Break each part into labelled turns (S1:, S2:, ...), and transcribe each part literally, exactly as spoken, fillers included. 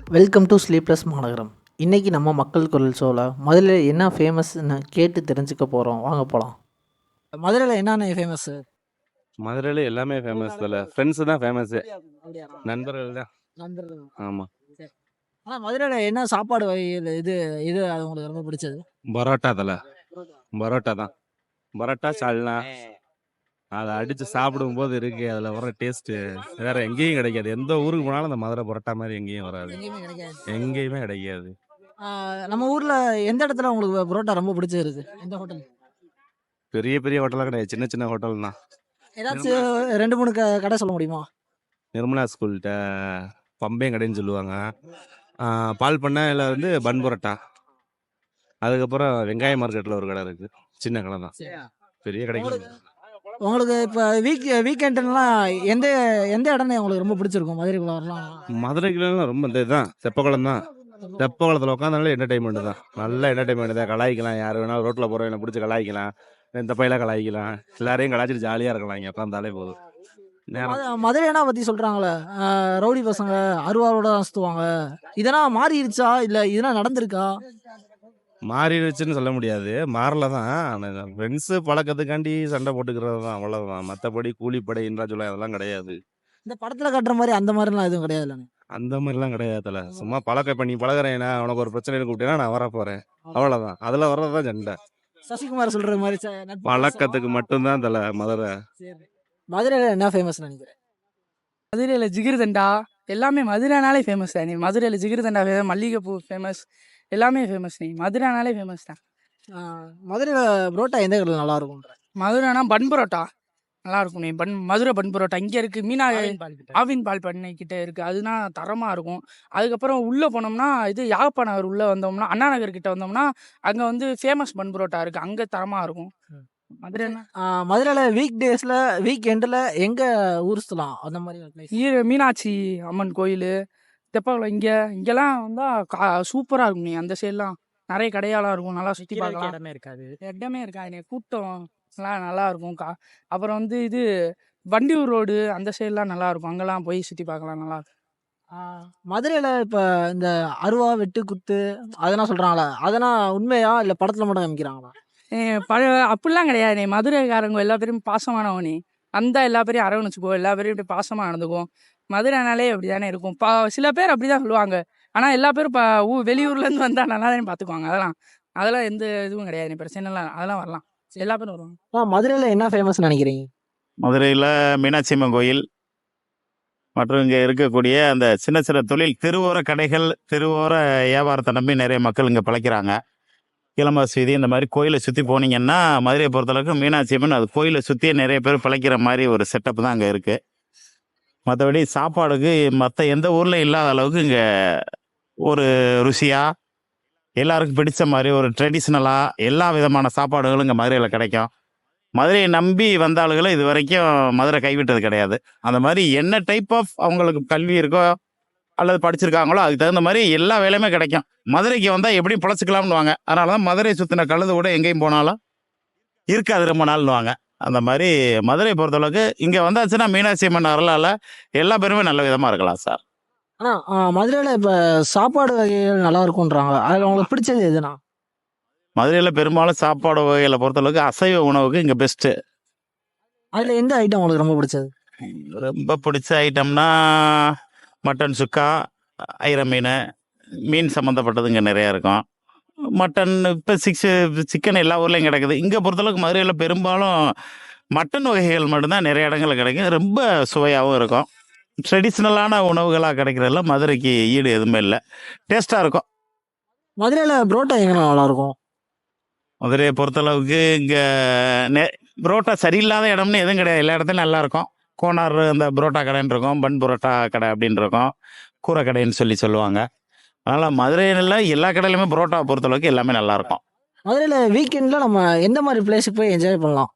S1: Welcome to sleepless மாநகரம். இன்றைக்கி நம்ம மக்கள் குரல் ஷோவில் மதுரையில் என்ன ஃபேமஸ்ன்னு கேட்டு தெரிஞ்சுக்க போகிறோம். வாங்க போகலாம். மதுரையில் என்னென்ன ஃபேமஸ்ஸு?
S2: மதுரையில எல்லாமே ஃபேமஸ் தல. ஃப்ரெண்ட்ஸ் தான் ஃபேமஸு.
S1: அப்படியாண்ணா?
S2: நண்பர்கள் தான்.
S1: நண்பர்கள்.
S2: ஆமா.
S1: சரி. ஆனால் மதுரையில் என்ன சாப்பாடு வகைகள் இது இது அது உங்களுக்கு ரொம்ப பிடிச்சது?
S2: பரோட்டா தல. பரோட்டா தான். பரோட்டா சால்னா அதை அடித்து சாப்பிடும்போது இருக்கு அதில் வர டேஸ்ட்டு வேற எங்கேயும் கிடைக்காது. எந்த ஊருக்கு போனாலும் அந்த மதுரை பரோட்டா மாதிரி எங்கேயும் வராது.
S1: எங்கேயுமே கிடைக்காது.
S2: எங்கேயுமே கிடைக்காது.
S1: ஆ, நம்ம ஊரில் எந்த இடத்துல உங்களுக்கு பரோட்டா ரொம்ப பிடிச்சிருக்கு? எந்த ஹோட்டல்?
S2: பெரிய பெரிய ஹோட்டலாக கிடையாது, சின்ன சின்ன ஹோட்டல் தான்.
S1: ஏதாச்சும் ரெண்டு மூணு க கடை சொல்ல முடியுமா?
S2: நிர்மலா ஸ்கூல்கிட்ட பம்பையும் கடைன்னு சொல்லுவாங்க. ஆ, பால் பண்ணையில் வந்து பன் பரோட்டா. அதுக்கப்புறம் வெங்காய மார்க்கெட்டில் ஒரு கடை இருக்குது, சின்ன கடை தான், பெரிய கடைக்கு.
S1: உங்களுக்கு இப்போ வீக் வீக்கெண்டுலாம் எந்த எந்த இடம்னு உங்களுக்கு ரொம்ப பிடிச்சிருக்கும் மதுரைக்குள்ள வரலாம்?
S2: மதுரைக்குலாம் ரொம்ப இந்த இதுதான் தெப்பக்குளம் தான். தெப்பக்குளத்தில் உட்காந்தாலே என்டர்டைன்மெண்ட் தான், நல்ல என்டர்டைன்மெண்ட் தான். கலாய்க்கலாம், யார் வேணாலும் ரோட்டில் போகிறவங்க பிடிச்சி கலாய்க்கலாம், இந்த பையில கலாய்க்கலாம், எல்லாரையும் கலாய்ச்சிட்டு ஜாலியாக இருக்கலாம் இங்கே உட்காந்தாலே போதும். நேரம்
S1: மதுரைனா பற்றி சொல்கிறாங்களே, ரவுடி பசங்க அருவாரோட தான் சுற்றுவாங்க, இதெல்லாம் மாறிடுச்சா இல்லை இதெல்லாம் நடந்திருக்கா?
S2: மாறிடுச்சுன்னு சொல்ல முடியாது, மாறல தான். ஃப்ரெண்ட்ஸு பழக்கத்துக்காண்டி சண்டை போட்டுக்கிறது தான், அவ்வளோதான். மற்றபடி கூலிப்படை இன்றா சொல்ல அதெல்லாம் கிடையாது.
S1: இந்த படத்தில் கட்டுற மாதிரி அந்த மாதிரிலாம் எதுவும் கிடையாது இல்லைங்க?
S2: அந்த மாதிரிலாம் கிடையாதுல. சும்மா பழக்க இப்போ நீ பழகிறேன்னா உனக்கு ஒரு பிரச்சனை கூப்பிட்டேன்னா நான் வர போகிறேன், அவ்வளோதான். அதில் வர்றது தான் சண்டை.
S1: சசிகுமார் சொல்கிற மாதிரி ச- நட்பு
S2: பழக்கத்துக்கு மட்டும்தான் தலை மதுரை.
S1: சரி. மதுரையில் என்ன ஃபேமஸ் நினைக்கிறேன்?
S3: மதுரையில் ஜிகிர்தண்டா எல்லாமே மதுரைனாலே ஃபேமஸ் தான். நீ மதுரையில் ஜிகிர்தண்டா ஃபேமஸ், மல்லிகைப்பூ ஃபேமஸ், எல்லாமே ஃபேமஸ். நீ மதுரைனாலே ஃபேமஸ் தான்.
S1: மதுரையில் புரோட்டா எந்த கடையில் நல்லா இருக்கும்ன்ற?
S3: மதுரைனா பன் பரோட்டா நல்லா இருக்கும். நீ பன் மதுரை பன் பரோட்டா இங்கே இருக்குது, மீனா ஆவின் பால் பண்ணை கிட்ட இருக்குது, அதுனா தரமாக இருக்கும். அதுக்கப்புறம் உள்ளே போனோம்னா இது யாழ்ப்பா நகர் உள்ளே வந்தோம்னா அண்ணா நகர் கிட்ட வந்தோம்னா அங்கே வந்து ஃபேமஸ் பன் பரோட்டா இருக்குது, அங்கே தரமாக இருக்கும். மதுரைனா
S1: மதுரையில் வீக் டேஸில் வீக் எண்டில் எங்கே ஊர் சுற்றலாம் அந்த மாதிரி ஒரு place?
S3: ஈர மீனாட்சி அம்மன் கோயில், தெப்பக்குளம், இங்கே இங்கெல்லாம் வந்தால் கா சூப்பராக இருக்கும். நீ அந்த சைட்லாம் நிறைய கடையாலாம் இருக்கும், நல்லா சுற்றி பார்க்கலாம்.
S1: இடமே இருக்காது.
S3: இடமே இருக்கா, எனக்கு கூட்டம் எல்லாம் நல்லா இருக்கும். கா அப்புறம் வந்து இது வண்டியூர் ரோடு அந்த சைட்லாம் நல்லா இருக்கும், அங்கெல்லாம் போய் சுற்றி பார்க்கலாம், நல்லா இருக்கும்.
S1: மதுரையில் இப்போ இந்த அருவா வெட்டு குத்து அதெல்லாம் சொல்கிறாங்களே, அதெல்லாம் உண்மையா இல்லை படத்தில் மட்டும் காமிக்கிறாங்களா?
S3: ஏ, பழ அப்படிலாம் கிடையாது. நீ மதுரைக்காரங்க எல்லா பேரும் பாசமானவனே, அந்த எல்லா பேரையும் அரவணைச்சுக்கோ, எல்லா பேரையும் இப்படி பாசமாக நடந்துக்கும். மதுரைனாலே அப்படி தானே இருக்கும். பா சில பேர் அப்படி தான் சொல்லுவாங்க, ஆனால் எல்லா பேரும் இப்போ ஊ வெளியூர்லேருந்து வந்தால் நல்லா தானே பார்த்துக்குவாங்க. அதெல்லாம் அதெல்லாம் எந்த இதுவும் கிடையாது, நீ பிரச்சனைலாம் அதெல்லாம் வரலாம், எல்லா பேரும் வருவாங்க.
S1: ஆ, மதுரையில் என்ன ஃபேமஸ் நினைக்கிறீங்க?
S4: மதுரையில் மீனாட்சி அம்மன் கோயில் மற்றும் இங்கே இருக்கக்கூடிய அந்த சின்ன சின்ன தொழில் தெருவோர கடைகள், தெருவோர வியாபாரத்தை நம்பி நிறைய மக்கள் இங்கே பிழைக்கிறாங்க. கிளம்பாஸ் வீதி இந்த மாதிரி கோயிலை சுற்றி போனீங்கன்னா மதுரையை பொறுத்தளவுக்கு மீனாட்சி அம்மன் அது கோயிலை சுற்றியே நிறைய பேர் பிழைக்கிற மாதிரி ஒரு செட்டப் தான் அங்கே இருக்குது. மற்றபடி சாப்பாடுக்கு மற்ற எந்த ஊரில் இல்லாத அளவுக்கு இங்கே ஒரு ருசியாக எல்லாருக்கும் பிடிச்ச மாதிரி ஒரு ட்ரெடிஷ்னலாக எல்லா விதமான சாப்பாடுகளும் இங்கே மதுரையில் கிடைக்கும். மதுரையை நம்பி வந்த ஆளுகளை இது வரைக்கும் மதுரை கைவிட்டது கிடையாது. அந்த மாதிரி என்ன டைப் ஆஃப் அவங்களுக்கு கல்வி இருக்கோ அல்லது படிச்சிருக்காங்களோ அதுக்கு தகுந்த மாதிரி எல்லா வேலையுமே கிடைக்கும். மதுரைக்கு வந்தால் எப்படியும் பிழைச்சிக்கலாம்னு வாங்க. அதனால தான் மதுரை சுற்றின கழுது கூட எங்கேயும் போனாலும் இருக்காது ரொம்ப நாள்னுவாங்க. அந்த மாதிரி மதுரையை பொறுத்தளவுக்கு இங்கே வந்தாச்சுன்னா மீனாட்சி அம்மன் அருளால் எல்லா பேருமே நல்ல விதமாக இருக்கலாம் சார்.
S1: ஆனால் மதுரையில் இப்போ சாப்பாடு வகைகள் நல்லா இருக்கும்ன்றாங்க, அதில் உங்களுக்கு பிடிச்சது எதுனா?
S4: மதுரையில் பெரும்பாலும் சாப்பாடு வகைகளை பொறுத்தளவுக்கு அசைவ உணவுக்கு இங்கே பெஸ்ட்டு.
S1: அதில் எந்த ஐட்டம் உங்களுக்கு ரொம்ப பிடிச்சது?
S4: ரொம்ப பிடிச்ச ஐட்டம்னா மட்டன் சுக்கா, ஐர மீன், மீன் சம்மந்தப்பட்டது இங்கே நிறையா இருக்கும். மட்டன் இப்போ சிக்ஸு சிக்கன் எல்லா ஊர்லேயும் கிடைக்குது. இங்கே பொறுத்தளவுக்கு மதுரையில் பெரும்பாலும் மட்டன் வகைகள் மட்டும்தான் நிறைய இடங்களில் கிடைக்கும், ரொம்ப சுவையாகவும் இருக்கும். ட்ரெடிஷ்னலான உணவுகளாக கிடைக்கிறதுல மதுரைக்கு ஈடு எதுவுமே இல்லை, டேஸ்ட்டாக இருக்கும்.
S1: மதுரையில் புரோட்டா எங்கே நல்லா இருக்கும்?
S4: மதுரையை பொறுத்தளவுக்கு இங்கே நெ புரோட்டா சரியில்லாத இடம்னு எதுவும் கிடையாது, எல்லா இடத்துலையும் நல்லாயிருக்கும். கோனார் அந்த புரோட்டா கடைன்னு இருக்கும், பன் புரோட்டா கடை அப்படின்னு இருக்கும், கூரை கடைன்னு சொல்லி சொல்லுவாங்க. அதனால் மதுரையில் எல்லா கடையிலுமே புரோட்டாவை பொறுத்தளவுக்கு எல்லாமே நல்லாயிருக்கும்.
S1: மதுரையில் வீக்கெண்டில் நம்ம எந்த மாதிரி பிளேஸுக்கு போய் என்ஜாய் பண்ணலாம்?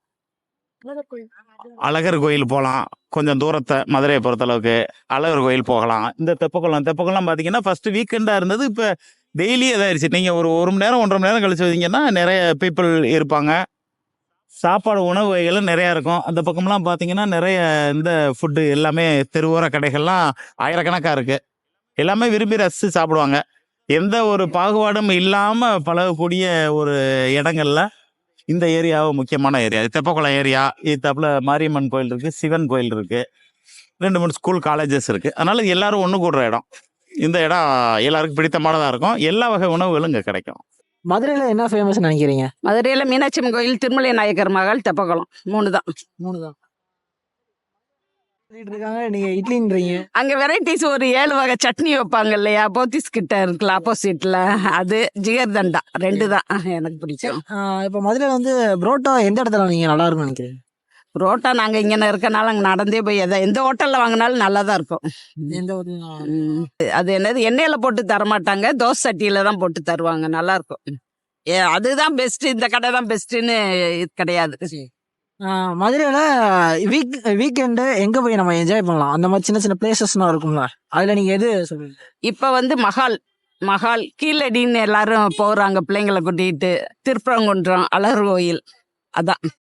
S4: அழகர் கோயில் போகலாம், கொஞ்சம் தூரத்தை மதுரையை பொறுத்தளவுக்கு அழகர் கோயில் போகலாம். இந்த தெப்பக்குளம் தெப்பக்குளம் பார்த்தீங்கன்னா ஃபஸ்ட்டு வீக்கெண்டாக இருந்தது, இப்போ டெய்லி இதாகிடுச்சு. நீங்கள் ஒரு ஒரு மணி நேரம் ஒன்றரை மணி நேரம் கழிச்சு வந்தீங்கன்னா நிறைய பீப்புள் இருப்பாங்க. சாப்பாடு உணவு வகைகளும் நிறையா இருக்கும். அந்த பக்கம்லாம் பார்த்தீங்கன்னா நிறைய இந்த ஃபுட்டு எல்லாமே தெருவோர கடைகள்லாம் ஆயிரக்கணக்காக இருக்குது. எல்லாமே விரும்பி ரசித்து சாப்பிடுவாங்க. எந்த ஒரு பாகுபாடும் இல்லாமல் பழகக்கூடிய ஒரு இடங்கள்ல இந்த ஏரியாவை முக்கியமான ஏரியா. தெப்பக்குளம் ஏரியா, இதுத்தாப்புல மாரியம்மன் கோயில் இருக்குது, சிவன் கோயில் இருக்குது, ரெண்டு மூணு ஸ்கூல் காலேஜஸ் இருக்குது. அதனால் இது எல்லாரும் ஒன்று கூடுற இடம். இந்த இடம் எல்லாருக்கும் பிடித்தமானதாக இருக்கும். எல்லா வகை உணவுகளும் இங்கே கிடைக்கும்.
S1: மதுரையில் என்ன ஃபேமஸ் நினைக்கிறீங்க?
S5: மதுரையில் மீனாட்சி அம்மன் கோயில், திருமலை நாயக்கர் மகால், தெப்பக்குளம், மூணு தான்.
S1: மூணு தான் சொல்லிட்டு இருக்காங்க, நீங்கள் இட்லின்றீங்க.
S5: அங்கே வெரைட்டிஸ் ஒரு ஏழு வகை சட்னி வைப்பாங்க இல்லையா, போத்திஸ் கிட்ட இருக்குல்ல ஆப்போசிட்டில், அது ஜிகர்தண்டா, ரெண்டு தான் எனக்கு பிடிக்கும்.
S1: இப்போ மதுரையில் வந்து புரோட்டா எந்த இடத்துல நீங்கள் நல்லா இருக்கும்னு நினைக்கிறீங்க?
S5: புரோட்டா நாங்கள் இங்கே இருக்கனால அங்கே நடந்தே போய் எதை எந்த ஹோட்டலில் வாங்கினாலும் நல்லா தான் இருக்கும்.
S1: எந்த ஒரு
S5: ம். அது என்னது எண்ணெயில் போட்டு தரமாட்டாங்க, தோசை சட்டியில் தான் போட்டு தருவாங்க, நல்லா இருக்கும். ஏ அதுதான் பெஸ்ட்டு, இந்த கடை தான் பெஸ்ட்டுன்னு இது கிடையாது.
S1: மதுரையில் வீக் வீக்கெண்டு எங்கே போய் நம்ம என்ஜாய் பண்ணலாம்? அந்த மாதிரி சின்ன சின்ன பிளேசஸ்லாம் இருக்கும்ல, அதில் நீங்கள் எது சொல்லுவீங்க?
S5: இப்போ வந்து மகால் மகால் கீழடின்னு எல்லாரும் போகிறாங்க பிள்ளைங்களை கூட்டிகிட்டு, திருப்பரங்குன்றம், அழகர் கோயில், அதான்